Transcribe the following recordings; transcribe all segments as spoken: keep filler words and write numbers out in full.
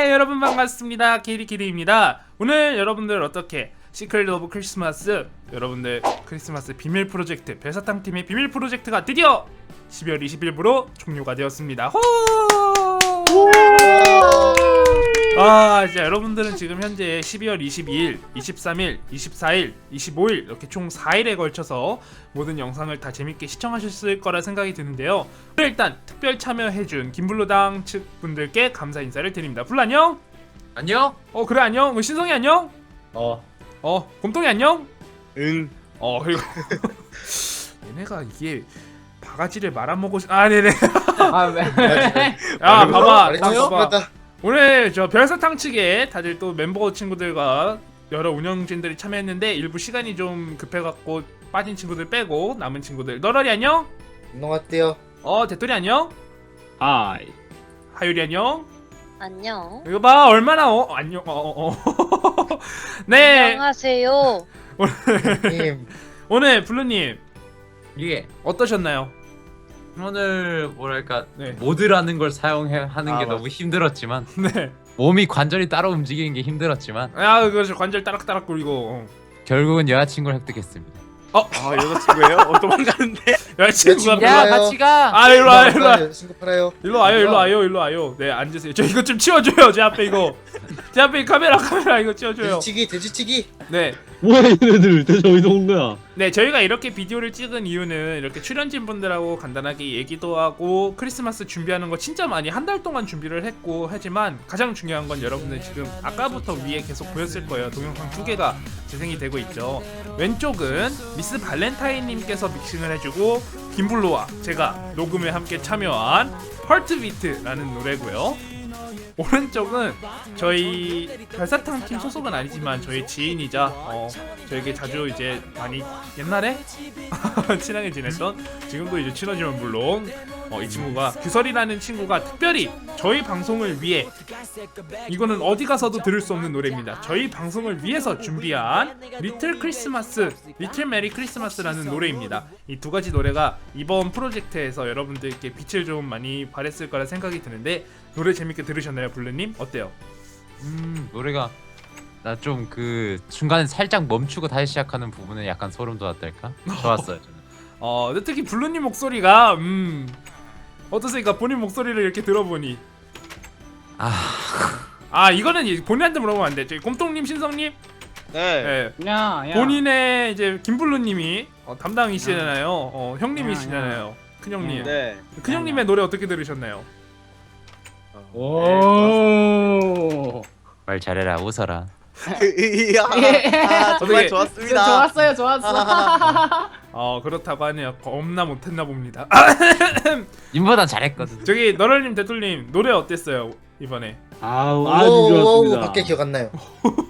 네, 여러분 반갑습니다. 키리키리입니다. 오늘 여러분들 어떻게 시크릿 오브 크리스마스, 여러분들 크리스마스 비밀 프로젝트 별사탕 팀의 비밀 프로젝트가 드디어 십이월 이십일부로 종료가 되었습니다. 호! 아, 진짜 여러분들은 지금 현재 십이월 이십이일, 이십삼일, 이십사일, 이십오일 이렇게 총 사일에 걸쳐서 모든 영상을 다 재밌게 시청하셨을 거라 생각이 드는데요. 일단 특별 참여해준 김블루당 측 분들께 감사 인사를 드립니다. 블루 안녕? 안녕? 어 그래 안녕? 어, 신성이 안녕? 어. 어 곰통이 안녕? 응. 어 그리고 얘네가 이게 바가지를 말아먹고 싶... 아 네네. 아 왜? 야 봐봐 딱 말했죠? 봐봐. 맞다. 오늘 저 별사탕 측에 다들 또 멤버 친구들과 여러 운영진들이 참여했는데 일부 시간이 좀 급해갖고 빠진 친구들 빼고 남은 친구들 너러리 안녕? 운동 왔대요. 어 대토리 안녕? 하이. 하율이 안녕? 안녕. 이거 봐 얼마나 어 안녕 어어 어, 어. 네 안녕하세요. 님, 오늘 블루님 이게 어떠셨나요? 오늘 뭐랄까 네. 모드라는 걸 사용해 하는 아, 게 맞아. 너무 힘들었지만 네. 몸이 관절이 따로 움직이는 게 힘들었지만 야 그거 관절 따락따락 굴리고 어. 결국은 여자친구를 획득했습니다. 어 아 여자친구예요? 어 도망가는데? 여자친구가 여자친구. 별로- 야, 같이 가. 아 일로 와 일로 와 친구 팔아요. 일로 와요 일로 와요 일로 와요. 네 앉으세요. 저 이거 좀 치워줘요. 제 앞에 이거 제 앞에 이 카메라 카메라 이거 치워줘요. 돼지치기, 돼지치기. 네. 뭐야 얘네들 대체 어디서 온 거야? 네 저희가 이렇게 비디오를 찍은 이유는 이렇게 출연진 분들하고 간단하게 얘기도 하고 크리스마스 준비하는 거 진짜 많이 한 달 동안 준비를 했고 하지만 가장 중요한 건 여러분들 지금 아까부터 위에 계속 보였을 거예요. 동영상 두 개가 재생이 되고 있죠. 왼쪽은 미스 발렌타인님께서 믹싱을 해주고 김블루와 제가 녹음에 함께 참여한 헐트비트라는 노래고요. 오른쪽은 저희 별사탕 팀 소속은 아니지만 저희 지인이자 어, 저에게 자주 이제 많이 옛날에 친하게 지냈던 지금도 이제 친하지만 물론 어, 이 친구가 규설이라는 친구가 특별히 저희 방송을 위해 이거는 어디 가서도 들을 수 없는 노래입니다. 저희 방송을 위해서 준비한 리틀 크리스마스, 리틀 메리 크리스마스라는 노래입니다. 이 두 가지 노래가 이번 프로젝트에서 여러분들께 빛을 좀 많이 발했을 거라 생각이 드는데 노래 재밌게 들으셨나요, 블루님? 어때요? 음 노래가 나 좀 그 중간에 살짝 멈추고 다시 시작하는 부분은 약간 소름 돋았달까? 좋았어요 저는. 어, 근데 특히 블루님 목소리가 음 어떠세요? 본인 목소리를 이렇게 들어보니 아 아 이거는 이제 본인한테 물어보면 안 돼. 저희 곰통님, 신성님, 네. 예. 야, 야. 본인의 이제 김블루님이 어, 담당이시잖아요. 어, 형님이시잖아요. 큰 형님. 네. 큰 형님의 노래 어떻게 들으셨나요? 오. 말 잘해라 웃어라. 이야. 아, 정말 어떻게- 좋았습니다. 좋았어요, 좋았어. 어 그렇다고 하네요. 겁나 못했나 봅니다. 님보다 잘했거든. 저기 너럴님, 대툴님 노래 어땠어요 이번에? 아우, 오, 아주 오, 좋았습니다. 밖에 기억 안 나요.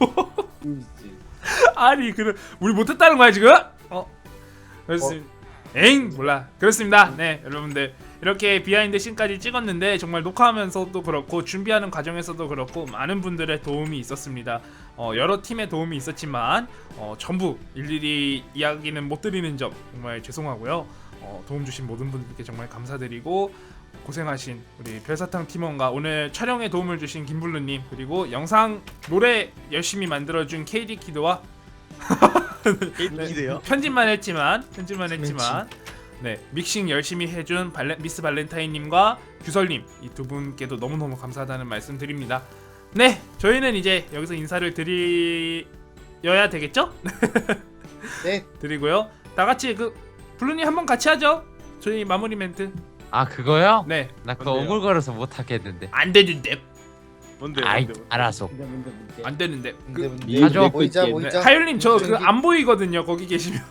아니 그 우리 못했다는 거야 지금? 어 그렇습니다. 엥 몰라 그렇습니다. 네 여러분들 이렇게 비하인드 씬까지 찍었는데 정말 녹화하면서도 그렇고 준비하는 과정에서도 그렇고 많은 분들의 도움이 있었습니다. 어, 여러 팀의 도움이 있었지만 어, 전부 일일이 이야기는 못 드리는 점 정말 죄송하고요. 어, 도움 주신 모든 분들께 정말 감사드리고 고생하신 우리 별사탕 팀원과 오늘 촬영에 도움을 주신 김블루님 그리고 영상 노래 열심히 만들어준 케이디키드와 기대요. 편집만 했지만 편집만 했지만 네 믹싱 열심히 해준 발레, 미스 발렌타인님과 규설님 이 두 분께도 너무너무 감사하다는 말씀 드립니다. 네 저희는 이제 여기서 인사를 드려야 되겠죠? 네. 드리고요. 다 같이 그 블루님 한번 같이 하죠. 저희 마무리 멘트. 아 그거요? 네 나 그거 뭔데요? 오글거려서 못 하겠는데. 안 되는데 뭔데? 아이 뭔데, 뭔데? 알았어. 안 되는데. 뭔데, 그, 뭔데? 가져. 모이자, 네. 모이자. 하율님 저 그 저기- 안 보이거든요. 거기 계시면.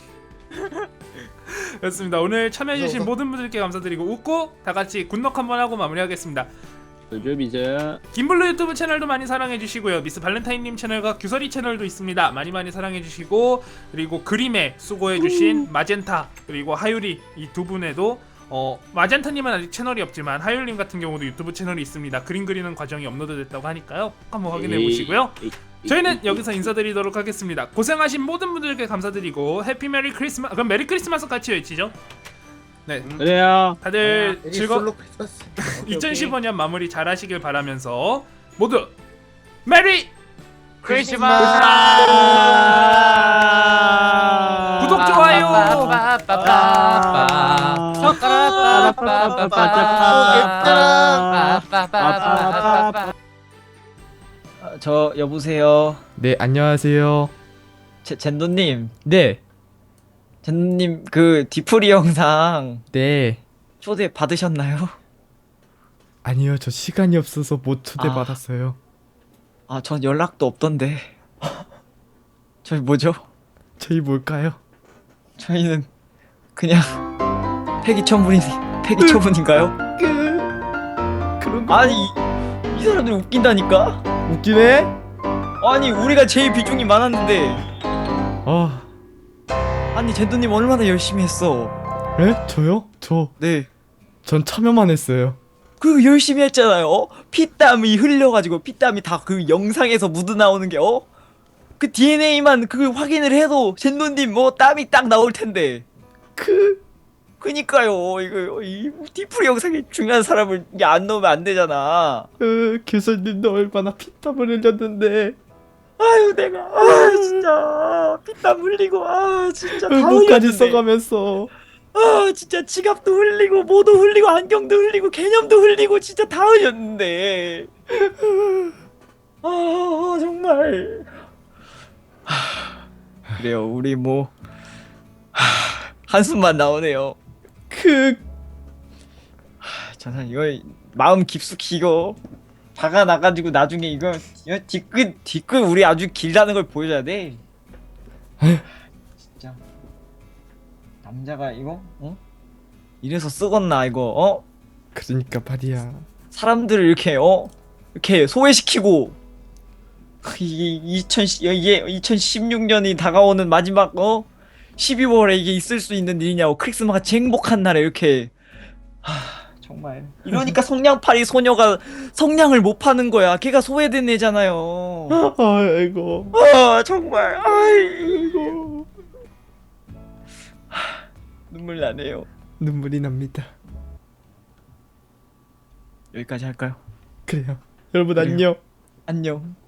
그렇습니다. 오늘 참여해주신 웃어, 웃어. 모든 분들께 감사드리고 웃고 다 같이 굿넉 한번 하고 마무리하겠습니다. 이제 이제 김블루 유튜브 채널도 많이 사랑해주시고요. 미스 발렌타인님 채널과 규설이 채널도 있습니다. 많이 많이 사랑해주시고 그리고 그림에 수고해주신 마젠타 그리고 하율이 이 두 분에도 어 마젠타님은 아직 채널이 없지만 하율님 같은 경우도 유튜브 채널이 있습니다. 그림 그리는 과정이 업로드됐다고 하니까요. 꼭 한번 확인해 보시고요. 저희는 여기서 인사드리도록 하겠습니다. 고생하신 모든 분들께 감사드리고 해피 메리 크리스마스. 그럼 메리 크리스마스 같이 외치죠. 네, 그래요. 다들 에리 즐거 솔로 크리스마스. 이천십오 년 마무리 잘 하시길 바라면서 모두 메리 크리스마스. 구독, 좋아요. 아, 저 여보세요. 네, 안녕하세요. 제 젠도님, 네, 젠도님 그 디프리 영상 네. 초대 받으셨나요? 아니요, 저 시간이 없어서 못 초대 아. 받았어요. 아, 전 연락도 없던데. 저희 뭐죠? 저희 뭘까요? 저희는 그냥 폐기 처분이 폐기 처분인가요? 그런 거 아니 이, 이 사람들 웃긴다니까? 웃기네? 아니 우리가 제일 비중이 많았는데 아, 아니 젠도님 얼마나 열심히 했어. 에? 저요? 저, 네. 전 참여만 했어요. 그 열심히 했잖아요. 어? 피땀이 흘려가지고 피땀이 다 그 영상에서 묻어 나오는 게 어? 그 디엔에이만 그 확인을 해도 젠노님 뭐 땀이 딱 나올 텐데. 그 그니까요. 이거 이 디프리 영상에 중요한 사람을 이게 안 넣으면 안 되잖아. 으, 교수님도 얼마나 피땀을 흘렸는데 아유 내가 아 진짜 피땀 흘리고 아 진짜 다 물까지 흘렸는데. 써가면서 아 진짜 지갑도 흘리고 뭐도 흘리고 안경도 흘리고 개념도 흘리고 진짜 다 흘렸는데 아, 아 정말 하, 그래요 우리 뭐 하, 한숨만 나오네요. 그 하, 저는 이거 마음 깊숙이 이거 박아 나가지고 나중에 이거 이거 뒤끝 뒤끝 우리 아주 길다는 걸 보여줘야 돼. 진짜 남자가 이거 어 이래서 쓰겄나 이거 어 그러니까 말이야. 사람들을 이렇게 어 이렇게 소외시키고 이게 이천 이게 이천십육 년이 다가오는 마지막 어 십이월에 이게 있을 수 있는 일이냐고 크리스마스 같이 행복한 날에 이렇게 하 정말 이러니까 성냥팔이 소녀가 성냥을 못 파는 거야. 걔가 소외된 애잖아요. 아이고. 아 정말 아이고 하, 눈물 나네요. 눈물이 납니다. 여기까지 할까요? 그래요. 여러분 그래요. 안녕. 안녕.